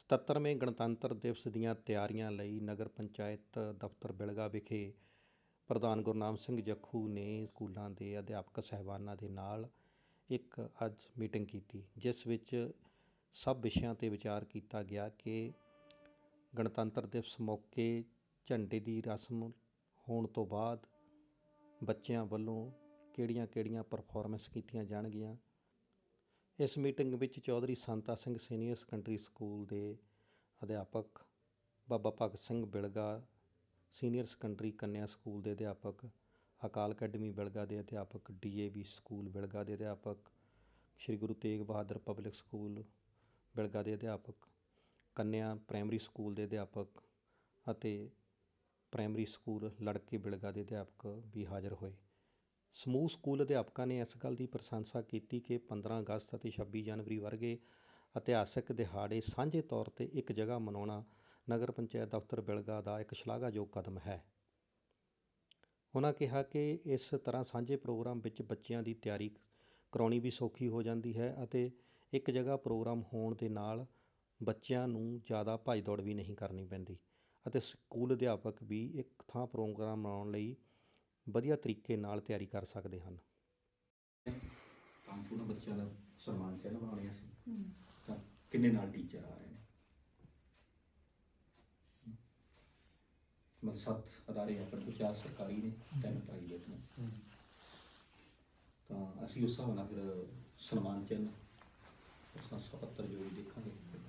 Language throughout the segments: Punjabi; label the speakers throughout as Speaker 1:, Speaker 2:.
Speaker 1: 77ਵੇਂ ਗਣਤੰਤਰ ਦਿਵਸ ਦੀਆਂ ਤਿਆਰੀਆਂ ਲਈ ਨਗਰ ਪੰਚਾਇਤ ਦਫ਼ਤਰ ਬਿਲਗਾ ਵਿਖੇ ਪ੍ਰਧਾਨ ਗੁਰਨਾਮ ਸਿੰਘ ਜੱਖੂ ਨੇ ਸਕੂਲਾਂ ਦੇ ਅਧਿਆਪਕ ਸਾਹਿਬਾਨਾਂ ਦੇ ਨਾਲ ਇੱਕ ਅੱਜ ਮੀਟਿੰਗ ਕੀਤੀ, ਜਿਸ ਵਿੱਚ ਸਭ ਵਿਸ਼ਿਆਂ 'ਤੇ ਵਿਚਾਰ ਕੀਤਾ ਗਿਆ ਕਿ ਗਣਤੰਤਰ ਦਿਵਸ ਮੌਕੇ ਝੰਡੇ ਦੀ ਰਸਮ ਹੋਣ ਤੋਂ ਬਾਅਦ ਬੱਚਿਆਂ ਵੱਲੋਂ ਕਿਹੜੀਆਂ ਪਰਫੋਰਮੈਂਸ ਕੀਤੀਆਂ ਜਾਣਗੀਆਂ। ਇਸ ਮੀਟਿੰਗ ਵਿੱਚ Chaudhary Santa Singh senior secondary school ਦੇ ਅਧਿਆਪਕ, Baba Bhagat Singh Bilga senior secondary Kanya school ਦੇ ਅਧਿਆਪਕ, ਅਕਾਲ ਅਕੈਡਮੀ ਬਿਲਗਾ ਦੇ ਅਧਿਆਪਕ, DAV ਸਕੂਲ ਬਿਲਗਾ ਦੇ ਅਧਿਆਪਕ, ਸ਼੍ਰੀ ਗੁਰੂ ਤੇਗ ਬਹਾਦਰ ਪਬਲਿਕ ਸਕੂਲ ਬਿਲਗਾ ਦੇ ਅਧਿਆਪਕ, ਕੰਨਿਆ ਪ੍ਰਾਇਮਰੀ ਸਕੂਲ ਦੇ ਅਧਿਆਪਕ ਅਤੇ ਪ੍ਰਾਇਮਰੀ ਸਕੂਲ ਲੜਕੇ ਬਿਲਗਾ ਦੇ ਅਧਿਆਪਕ ਵੀ ਹਾਜ਼ਰ ਹੋਏ। ਸਮੂਹ ਸਕੂਲ ਅਧਿਆਪਕਾਂ ਨੇ ਇਸ ਗੱਲ ਦੀ ਪ੍ਰਸ਼ੰਸਾ ਕੀਤੀ ਕਿ 15 ਅਗਸਤ ਅਤੇ 26 ਜਨਵਰੀ ਵਰਗੇ ਇਤਿਹਾਸਕ ਦਿਹਾੜੇ ਸਾਂਝੇ ਤੌਰ 'ਤੇ ਇੱਕ ਜਗ੍ਹਾ ਮਨਾਉਣਾ ਨਗਰ ਪੰਚਾਇਤ ਦਫ਼ਤਰ ਬਿਲਗਾ ਦਾ ਇੱਕ ਸ਼ਲਾਘਾਯੋਗ ਕਦਮ ਹੈ। ਉਹਨਾਂ ਕਿਹਾ ਕਿ ਇਸ ਤਰ੍ਹਾਂ ਸਾਂਝੇ ਪ੍ਰੋਗਰਾਮ ਵਿੱਚ ਬੱਚਿਆਂ ਦੀ ਤਿਆਰੀ ਕਰਾਉਣੀ ਵੀ ਸੌਖੀ ਹੋ ਜਾਂਦੀ ਹੈ ਅਤੇ ਇੱਕ ਜਗ੍ਹਾ ਪ੍ਰੋਗਰਾਮ ਹੋਣ ਦੇ ਨਾਲ ਬੱਚਿਆਂ ਨੂੰ ਜ਼ਿਆਦਾ ਭੱਜ ਦੌੜ ਵੀ ਨਹੀਂ ਕਰਨੀ ਪੈਂਦੀ ਅਤੇ ਸਕੂਲ ਅਧਿਆਪਕ ਵੀ ਇੱਕ ਥਾਂ ਪ੍ਰੋਗਰਾਮ ਮਨਾਉਣ ਲਈ ਵਧੀਆ ਤਰੀਕੇ ਨਾਲ ਤਿਆਰੀ ਕਰ ਸਕਦੇ ਹਨ।
Speaker 2: ਉਹਨਾਂ ਬੱਚਿਆਂ ਦਾ ਸਨਮਾਨ ਚਿੰਨ੍ਹ ਬਣਾਉਣੇ ਸੀ ਤਾਂ ਕਿੰਨੇ ਨਾਲ ਟੀਚਰ ਆ ਰਹੇ ਨੇ, ਮਤਲਬ 7 ਅਦਾਰੇ ਆਪਣੇ ਕੋਲ, 4 ਸਰਕਾਰੀ ਨੇ, 3 ਪ੍ਰਾਈਵੇਟ ਨੇ, ਤਾਂ ਅਸੀਂ ਉਸ ਹਿਸਾਬ ਨਾਲ ਫਿਰ ਸਨਮਾਨ ਚਿੰਨ੍ਹ ਪ੍ਰਸ਼ੰਸਾ ਪੱਤਰ ਜੋ ਵੀ ਦੇਖਾਂਗੇ,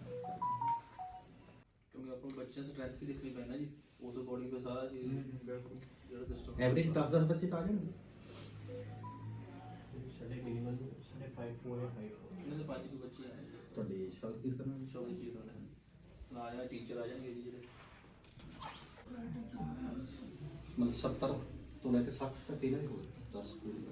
Speaker 3: ਕਿਉਂਕਿ ਆਪਾਂ ਬੱਚਿਆਂ ਸਟਰੈਂਥ ਵੀ ਦੇਖਣੀ ਪੈਣਾ ਜੀ, ਉਸ ਅਕੋਰਡਿੰਗ ਫਿਰ ਸਾਰਾ ਚੀਜ਼ ਜਿਹੜਾ ਸਿਸਟਮ
Speaker 2: ਐਵਰੇਜ 10-10 ਬੱਚੇ ਤਾਂ ਆ ਜਾਣਗੇ।
Speaker 4: ਸਾਡੇ ਮਿਨੀਮਮ 5 ਜਾਂ 5
Speaker 3: ਇਹਨਾਂ ਦੇ 5 ਬੱਚੇ ਆਏ
Speaker 2: ਤੁਹਾਡੇ ਸ਼ੌਕੀਰ ਕਰਨਾ
Speaker 3: ਸ਼ੌਕੀ ਚੀਜ਼ ਨਾਲ ਆ ਟੀਚਰ ਆ ਜਾਣਗੇ ਜੀ ਜਿਹੜੇ
Speaker 2: ਮਤਲਬ 70 ਤੋਂ ਲੈ ਕੇ 60 ਤੱਕ ਇਹਨਾਂ ਦੇ ਹੋਏ 10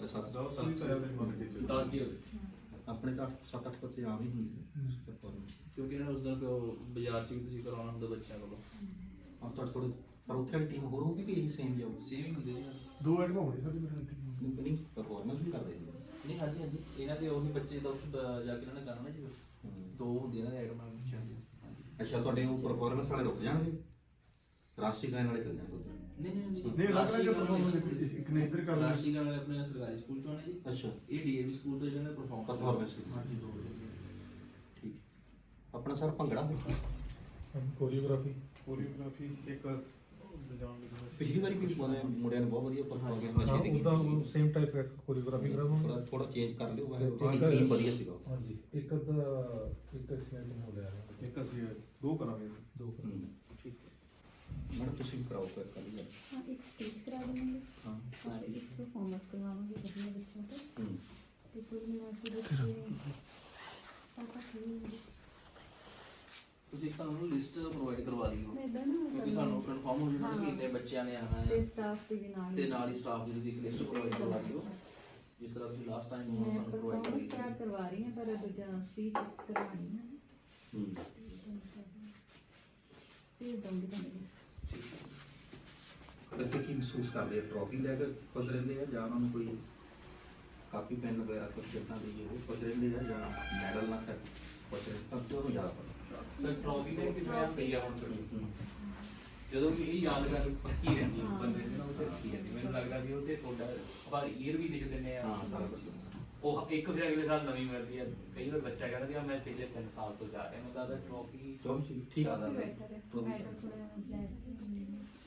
Speaker 2: ਆਪਣੇ ਤਾਂ 7-8 ਬੱਚੇ ਆਮ ਹੀ ਹੁੰਦੇ
Speaker 3: ਕਿਉਂਕਿ ਇਹਨਾਂ ਨੂੰ ਉਸ ਦਿਨ ਬਾਜ਼ਾਰ 'ਚ ਵੀ ਤੁਸੀਂ ਕਰਵਾਉਣਾ ਹੁੰਦਾ ਬੱਚਿਆਂ ਕੋਲੋਂ।
Speaker 2: ਹਾਂ ਥੋੜ੍ਹੇ ਪਰ ਉੱਥੇ ਵਾਲੀ ਟੀਮ ਹੋਰ ਹੋਊਗੀ ਕਿ ਇਹ ਸੇਮ ਜਾਊ?
Speaker 3: ਸੇਮ ਹੀ ਹੁੰਦੀ ਜੀ,
Speaker 5: 2 ਐਟਮਾਂ ਹੋਣੀ ਸਾਡੀ
Speaker 2: ਨਹੀਂ ਪਰਫਾਰਮੈਂਸ ਵੀ ਕਰਦੇ ਨੇ।
Speaker 3: ਨਹੀਂ ਹਾਂਜੀ ਇਹਨਾਂ ਦੇ ਉਹੀ ਬੱਚੇ ਦਾ ਜਾ ਕੇ ਇਹਨਾਂ ਨੇ ਕਰਨਾ ਨਾ ਜੀ, 2 ਹੁੰਦੀਆਂ ਇਹਨਾਂ ਦੇ ਆਈਟਮਾਂ ਬੱਚਿਆਂ ਦੀਆਂ।
Speaker 2: ਅੱਛਾ, ਤੁਹਾਡੇ ਉਹ ਪਰਫਾਰਮੈਂਸ ਵਾਲੇ ਰੁਕ ਜਾਣਗੇ, ਰਾਸ਼ਟਰੀ ਗਾਇਨ ਵਾਲੇ ਚੱਲ ਜਾਣਗੇ?
Speaker 5: ਨਹੀਂ ਰਾਸ਼ਟਰੀ ਪਰਫਾਰਮੈਂਸ ਇੱਕ ਨੇ ਇੱਧਰ ਕਰ ਲਿਆ।
Speaker 3: ਰਾਸ਼ਟਰੀ ਗਾਇਨ ਵਾਲੇ ਆਪਣੇ ਸਰਕਾਰੀ ਸਕੂਲ 'ਚੋਂ ਆਉਣੇ ਜੀ।
Speaker 2: ਅੱਛਾ,
Speaker 3: ਇਹ DAV ਸਕੂਲ ਤੋਂ ਜਿਹਨਾਂ ਨੇ ਪਰਫਾਰਮੈਂਸ ਹਾਂਜੀ 2
Speaker 2: ਠੀਕ। ਆਪਣਾ ਸਰ ਭੰਗੜਾ
Speaker 5: ਕੋਰੀਓਗ੍ਰਾਫੀ ਇੱਕ
Speaker 2: ਪਿਛਲੀ ਵਾਰੀ ਵੀ ਮੁੰਡਿਆਂ ਨੇ ਬਹੁਤ ਵਧੀਆ ਪਰਫਾਰਮ ਕੀਤਾ,
Speaker 6: ਉਹਦਾ ਸੇਮ ਟਾਈਪ ਕੋਰੀਓਗ੍ਰਾਫੀ ਕਰਾਵਾਂਗੇ,
Speaker 2: ਥੋੜਾ ਚੇਂਜ ਕਰ ਲਿਓ, ਟੀਮ ਵਧੀਆ ਸੀਗਾ।
Speaker 6: ਹਾਂਜੀ ਇੱਕ ਐਕਸੀਡੈਂਟ ਹੋ ਗਿਆ,
Speaker 5: ਇੱਕ ਅਸੀਂ 2 ਕਰਾਂਗੇ।
Speaker 6: 2
Speaker 3: ਠੀਕ
Speaker 2: ਮੈਡਮ ਤੁਸੀਂ ਵੀ ਕਰਾਓ ਫਿਰ ਕੱਲ੍ਹ ਨੂੰ।
Speaker 7: हाँ, एक स्पीच करा देंगे
Speaker 2: हाँ।
Speaker 7: और एक परफॉर्मेंस करवाएंगे बढ़िया बच्चों को। तो कुल मिला के बच्चे 7-8 होंगे।
Speaker 3: ਤੁਸੀਂ ਸਾਨੂੰ ਲਿਸਟ ਪ੍ਰੋਵਾਈਡ ਕਰਵਾ ਦਿਓ,
Speaker 7: मैं इधर ना
Speaker 3: ਕਿਉਂਕਿ ਸਾਨੂੰ ਕਨਫਰਮ ਹੋ ਜਾਣਾ ਕਿ ਇੰਨੇ ਬੱਚਿਆਂ ਨੇ ਆਉਣਾ
Speaker 7: ते
Speaker 3: ਹੈ
Speaker 7: स्टाफ के भी नाल
Speaker 3: ਤੇ ਨਾਲ ਹੀ ਸਟਾਫ ਦੀ ਇੱਕ ਲਿਸਟ ਪ੍ਰੋਵਾਈਡ ਕਰਵਾ ਦਿਓ, ਜਿਸ ਤਰ੍ਹਾਂ ਤੁਸੀਂ ਲਾਸਟ ਟਾਈਮ
Speaker 7: मैं
Speaker 3: ਸਾਨੂੰ ਪ੍ਰੋਵਾਈਡ
Speaker 7: परफॉर्मेंस
Speaker 3: ਕੀਤੀ
Speaker 7: तैयार करवा रही हैं पर दूजा स्पीच करवानी है फिर दूंगी तुम्हें।
Speaker 2: ਬੱਚੇ ਕੀ ਮਹਿਸੂਸ ਕਰਦੇ ਆ? ਟਰੋਫੀ ਲੈ ਕੇ ਖੁਸ਼ ਰਹਿੰਦੇ ਆ ਜਾਂ ਉਹਨਾਂ ਨੂੰ ਕੋਈ ਕਾਪੀ ਪੈਨ ਵਗੈਰਾ ਕੁਛ ਇੱਦਾਂ ਦੀ ਉਹ ਖੁਸ਼ ਰਹਿੰਦੇ ਆ ਜਾਂ ਮੈਡਲ ਨਾਲ ਸੈਟ ਖੁਸ਼ ਰਹਿੰਦੇ? ਤਾਂ ਕਿਉਂ ਜ਼ਿਆਦਾ ਪਤਾ
Speaker 4: ਸਰ ਟਰੋਫੀ ਦੇ ਵਿੱਚ ਮੈਂ ਪਈ ਆ ਹੁਣ ਕਰੀ ਜਦੋਂ ਵੀ ਇਹ ਯਾਦਗਾਰ ਪੱਕੀ ਰਹਿੰਦੀ ਹੈ ਬੰਦੇ ਦੇ ਨਾਲ, ਉਹ ਤੇ ਰੱਖੀ ਜਾਂਦੀ। ਮੈਨੂੰ ਲੱਗਦਾ ਵੀ ਉਹ ਤੇ ਤੁਹਾਡਾ ਪਰ ਈਅਰ ਵੀ ਲਿਖ ਦਿੰਦੇ ਆ,
Speaker 2: ਹਾਂ ਸਾਰਾ ਕੁਛ।
Speaker 4: ਉਹ ਇੱਕ ਫਿਰ ਅਗਲੇ ਸਾਲ ਨਵੀਂ ਮਿਲਦੀ ਹੈ। ਕਈ ਵਾਰ ਬੱਚਾ ਕਹਿੰਦਾ ਵੀ ਮੈਂ ਪਿਛਲੇ 3 ਸਾਲ ਤੋਂ ਜਾ ਰਿਹਾ, ਮੈਨੂੰ ਲੱਗਦਾ ਟਰੋਫੀ
Speaker 2: ਚਲੋ ਜੀ, ਠੀਕ ਆ।
Speaker 7: काफी बेहतर है, मैडम थोड़ा ब्लैक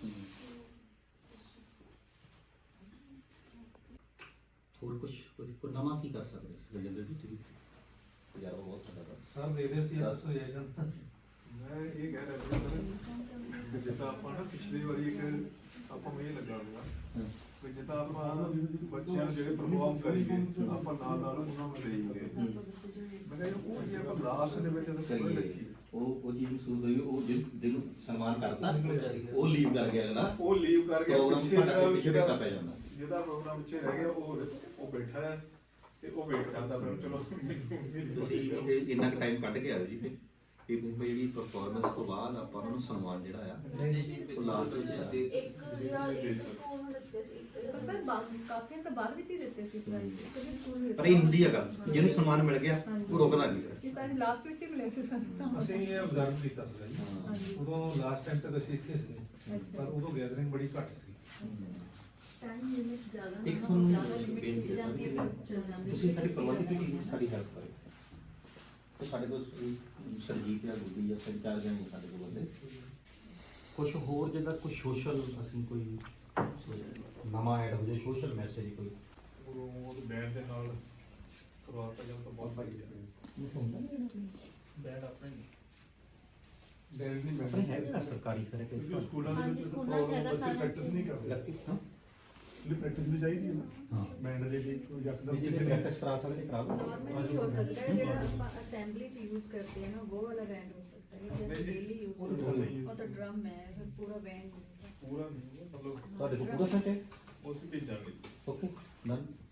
Speaker 2: ਹੋਰ ਕੁਝ ਨਵਾਂ ਕੀ ਕਰ ਸਕਦੇ ਇਸ ਰਜਿੰਦਰ ਜੀ? ਤੁਸੀਂ ਤਜਰਬਾ ਬਹੁਤ ਸਾਡਾ
Speaker 6: ਸਰ ਦੇ ਦੇ ਸੀ ਐਸੋਸੀਏਸ਼ਨ।
Speaker 5: ਮੈਂ ਇਹ ਕਹਿ ਰਿਹਾ ਸੀ ਕਿ ਜਿੱਦਾਂ ਆਪਾਂ ਨਾ ਪਿਛਲੀ ਵਾਰੀ ਇੱਕ ਆਪਾਂ ਨੂੰ ਇਹ ਲੱਗਾ ਹੋਇਆ ਕਿ ਜਿੱਦਾਂ ਆਪਾਂ ਬੱਚਿਆਂ ਨੂੰ ਜਿਹੜੇ ਪਰਫਾਰਮ ਕਰੀਏ ਆਪਾਂ ਨਾਲ ਉਹਨਾਂ ਨੂੰ ਦੇਈਏ। ਮੈਂ ਕਿਹਾ ਉਹ ਜੇ ਆਪਾਂ ਲਾਸਟ ਦੇ ਵਿੱਚ
Speaker 2: ਕਰੀਏ
Speaker 5: ਰੱਖੀਏ
Speaker 2: ਉਹ ਚੀਜ਼ ਮਹਿਸੂਸ ਹੋਈ, ਉਹ ਜਿਹਨੂੰ ਸਨਮਾਨ ਕਰਤਾ ਉਹ ਲੀਵ ਕਰ ਗਿਆ ਅਗਲਾ,
Speaker 5: ਉਹ ਲੀਵ ਕਰ ਗਿਆ,
Speaker 2: ਪ੍ਰੋਗਰਾਮ
Speaker 5: ਪਿੱਛੇ
Speaker 2: ਸਾਡਾ ਪਿੱਛੇ
Speaker 5: ਜਿਹੜਾ
Speaker 2: ਪੈ ਜਾਂਦਾ।
Speaker 5: ਜਿਹਦਾ ਪ੍ਰੋਗਰਾਮ ਪਿੱਛੇ ਰਹਿ ਗਿਆ ਉਹ ਬੈਠਾ ਹੈ ਤੇ ਉਹ ਵੇਟ ਕਰਦਾ ਫਿਰ ਚਲੋ
Speaker 2: ਤੁਸੀਂ ਇਹ ਇੰਨਾ ਕੁ ਟਾਈਮ ਕੱਢ ਕੇ ਆਇਓ ਜੀ ਫਿਰ ਇਹ ਜਿਹੜੀ ਪਰਫਾਰਮੈਂਸ ਤੋਂ ਬਾਅਦ ਆਪਾਂ ਉਹਨਾਂ ਨੂੰ ਸਨਮਾਨ ਜਿਹੜਾ ਆ ਉਹ ਲਾਸਟ ਵਿੱਚ
Speaker 7: एक यार एक तो ਸਰ ਕਾਫੀ ਤਾਂ ਬਾਅਦ ਵਿੱਚ ਹੀ ਦਿੱਤੇ ਸੀ ਪ੍ਰਾਈਜ਼ ਕਦੇ ਸਕੂਲ ਵਿੱਚ
Speaker 2: ਪਰ ਇਹ ਹੁੰਦੀ ਹੈਗਾ ਜਿਹਨੂੰ ਸਨਮਾਨ ਮਿਲ ਗਿਆ ਉਹ ਰੁਕਦਾ ਨਹੀਂ
Speaker 7: ਇਹ ਸਾਰੇ ਲਾਸਟ ਵਿੱਚ ਹੀ ਮਿਲੇ ਸੀ ਸਾਨੂੰ
Speaker 6: ਅਸੀਂ ਇਹ ਅਬਜ਼ਰਵ ਕੀਤਾ ਸੀਗਾ ਜੀ
Speaker 7: ਹਾਂਜੀ
Speaker 6: ਉਦੋਂ ਲਾਸਟ ਟਾਈਮ ਤੱਕ ਅਸੀਂ ਇੱਥੇ ਸੀ ਪਰ ਉਦੋਂ ਗੈਦਰਿੰਗ ਬੜੀ ਘੱਟ ਸੀ
Speaker 7: ਟਾਈਮ ਲਿਮਿਟ ਜ਼ਿਆਦਾ
Speaker 2: ਇੱਕ ਤੁਹਾਨੂੰ
Speaker 7: ਜ਼ਿਆਦਾ ਲਿਮਿਟ
Speaker 2: ਬੇਨਤੀ ਹੈ
Speaker 7: ਜਾਂਦੀ ਹੈ ਚੱਲ ਜਾਂਦੀ
Speaker 2: ਤੁਸੀਂ ਸਾਡੀ ਪ੍ਰਬੰਧਕ ਟੀਮ ਦੀ ਸਾਡੀ ਹੈਲਪ ਕਰੋ ਤੇ ਸਾਡੇ ਕੋਲ ਸਰਜੀਤ ਜਾਂ ਗੁੱਡੀ ਜਾਂ ਤਿੰਨ ਚਾਰ ਜਣੇ ਸਾਡੇ ਕੋਲ ਬੰਦੇ ਕੁਝ ਹੋਰ ਜਿਹੜਾ ਕੋਈ ਸੋਸ਼ਲ ਅਸੀਂ ਕੋਈ ਨਵਾਂ ਐਡ ਹੋ ਜਾਏ ਸੋਸ਼ਲ ਮੈਸੇਜ ਕੋਈ
Speaker 5: ਉਹ ਬੈਂਡ ਦੇ ਨਾਲ ਕਰਵਾਤਾ ਜਾਂ ਤਾਂ ਬਹੁਤ ਭਾਈ
Speaker 3: ਬੈਡ ਆਪਣੇ ਨਹੀਂ
Speaker 5: ਬੈਂਡ ਨਹੀਂ
Speaker 2: ਆਪਣੇ ਹੈ ਵੀ ਨਾ ਸਰਕਾਰੀ ਕਰੇ
Speaker 5: ਕਿਉਂਕਿ ਸਕੂਲਾਂ ਦੇ
Speaker 7: ਹਾਂਜੀ,
Speaker 5: ਵਿੱਚ
Speaker 7: ਸਕੂਲਾਂ 'ਚ ਹੈਗਾ
Speaker 5: ਬੱਚੇ
Speaker 7: ਸਾਰਾ
Speaker 5: ਪ੍ਰੈਕਟਿਸ ਨਹੀਂ ਕਰਦੇ ਲਈ ਪ੍ਰੈਕਟਿਸ ਵੀ ਚਾਹੀਦੀ ਹੈ ਨਾ
Speaker 2: ਹਾਂ
Speaker 5: ਬੈਂਡ ਦੇ ਲਈ ਕੋਈ ਯਕਦਮ
Speaker 2: ਜੇ ਪ੍ਰੈਕਟਿਸ ਕਰਾ ਸਕਦੇ ਕਰਾ ਲਓ
Speaker 7: नॉर्मल भी हो सकता है जेड़ा ਆਪਾਂ असेंबली च यूज करते हैं ना वो वाला बैंड हो सकता है जैसे डेली यूज
Speaker 5: वो तो नहीं है।
Speaker 7: वो तो ड्रम है फिर पूरा बैंड
Speaker 5: ਪੂਰਾ ਨਹੀਂ ਮਤਲਬ
Speaker 2: ਤੁਹਾਡੇ ਕੋਲ ਪੂਰਾ ਸੈਟ ਹੈ
Speaker 5: ਉਸ ਭੇਜਾਂਗੇ
Speaker 2: ਓਕੇ ਡਨ